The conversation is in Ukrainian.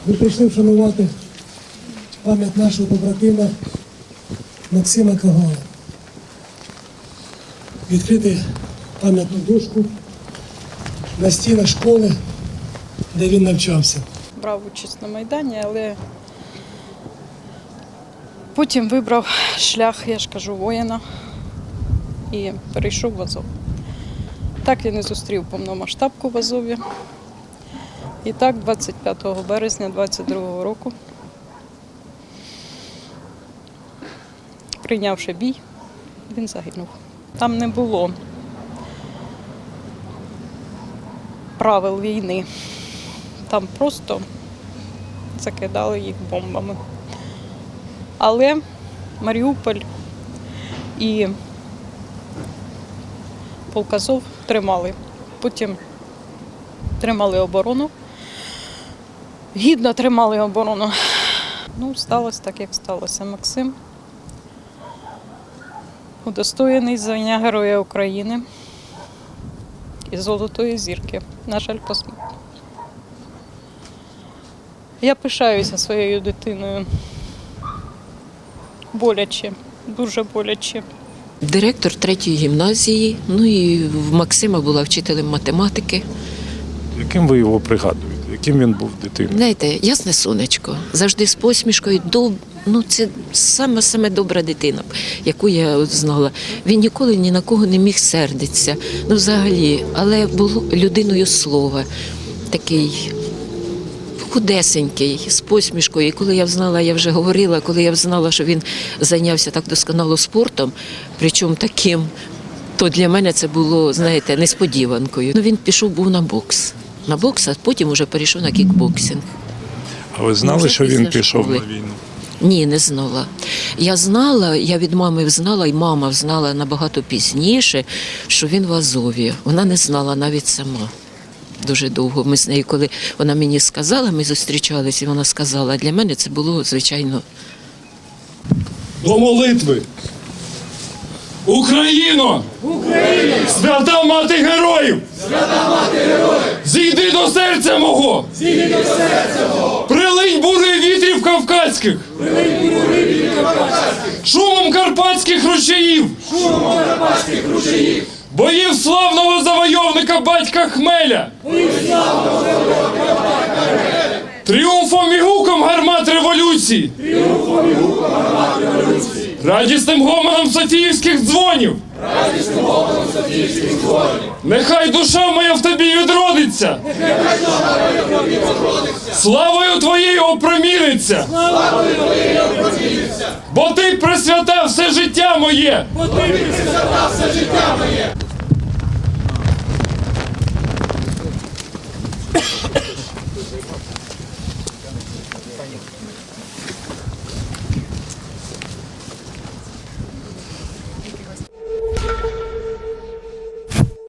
Ми прийшли вшанувати пам'ять нашого побратима Максима Кагала. Відкрити пам'ятну дошку на стінах школи, де він навчався. Брав участь на Майдані, але потім вибрав шлях, я ж кажу, воїна і перейшов в Азов. Так він і зустрів повномасштабку в Азові. І так, 25 березня 22-го року, прийнявши бій, він загинув. Там не було правил війни. Там просто закидали їх бомбами. Але Маріуполь і полк Азов тримали. Потім тримали оборону. Гідно тримали оборону. Ну, сталося так, як сталося. Максим удостоєний звання Героя України і Золотої зірки. На жаль, посмертно. Я пишаюся своєю дитиною. Боляче, дуже боляче. Директор 3-ї гімназії, ну і в Максима була вчителем математики. Яким ви його пригадуєте? Яким він був дитиною? Знаєте, ясне сонечко, завжди з посмішкою. Ну, це саме добра дитина, яку я от знала. Він ніколи ні на кого не міг сердитися, ну взагалі, але був людиною слова, такий худесенький, з посмішкою. І коли я знала, я вже говорила, коли я знала, що він зайнявся так досконало спортом, причому таким, то для мене це було, знаєте, несподіванкою. Ну, він був на бокс, а потім вже перейшов на кікбоксинг. А ви знали, що він пішов на війну? Ні, не знала. Я знала, я від мами знала, і мама знала набагато пізніше, що він в Азові. Вона не знала навіть сама. Дуже довго. Ми з нею, коли вона мені сказала, ми зустрічалися, і вона сказала, для мене це було, звичайно. До молитви. Україно! Україно! Свята мати героїв! Свята мати героїв! Зійди до серця мого! Зійди до серця мого! Прилинь бури вітрів кавказьких! Прилинь бури вітрів кавказьких! Шумом карпатських ручаїв! Шумом карпатських ручаїв! Боїв славного завойовника батька Хмеля! Боїв славного завойовника батька Хмеля! Тріумфом і гуком гармат революції! Тріумфом і гуком гармат революції! Радісним гомоном Софіївських дзвонів! Радісним гомоном Софіївських дзвонів! Нехай душа моя в тобі відродиться! Нехай душа моя в тобі відродиться! Славою твоєю опроміниться! Славою твоєю опроміниться! Бо ти присвятав все життя моє! Бо ти присвятав все життя моє!